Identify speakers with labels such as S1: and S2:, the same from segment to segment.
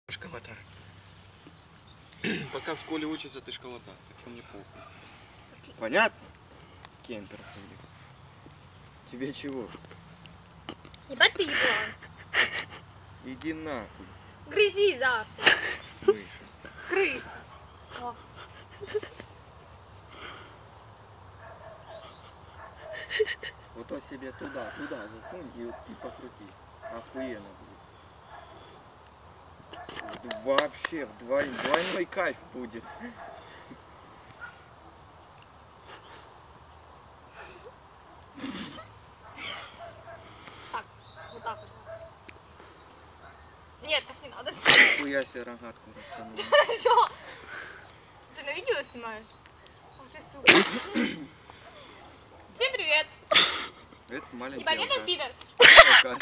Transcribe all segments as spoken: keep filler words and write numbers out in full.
S1: Школота.
S2: Пока в школе учится, ты школота, так что мне похуй.
S1: Понятно? Кемпер. Тебе чего?
S3: Ебать ты еблан.
S1: Иди нахуй.
S3: Грызи завтра.
S1: Выше.
S3: Крыс. О.
S1: Вот то себе туда, туда засунь и, и покрути. Охуенно будет. Вообще вдвойной, двойной кайф будет.
S3: Так, вот так вот. Нет, так не надо.
S1: Хуя себе рогатку растянула.
S3: Что? Ты на видео снимаешь? Ух ты, сука. Всем привет.
S1: Это маленький
S3: Непонятно,
S1: алкаш.
S3: пидор?
S1: Алкаш.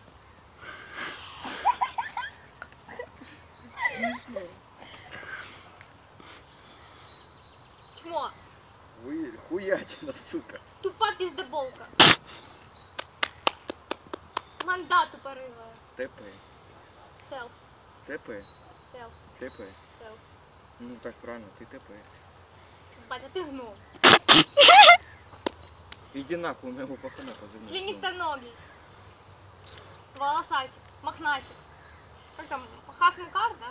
S3: Чмо.
S1: Вы хуятина, сука.
S3: Тупа пиздоболка. Манда тупорылая.
S1: ТП.
S3: Селф.
S1: ТП.
S3: Селф.
S1: ТП.
S3: Селф.
S1: Ну так правильно, ты ТП.
S3: Батя, ты гном.
S1: Иди нахуй, у моего пахана позови.
S3: Членистоногий. Волосатик. Мохнатик. Как там? Хасмукар, да?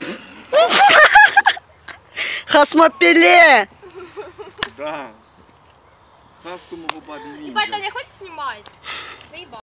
S4: Хасмопеле!
S1: Да. Хасту могу бабе
S3: Ебать,
S1: ниндзя.
S3: Таня, хоть снимать? Заебал.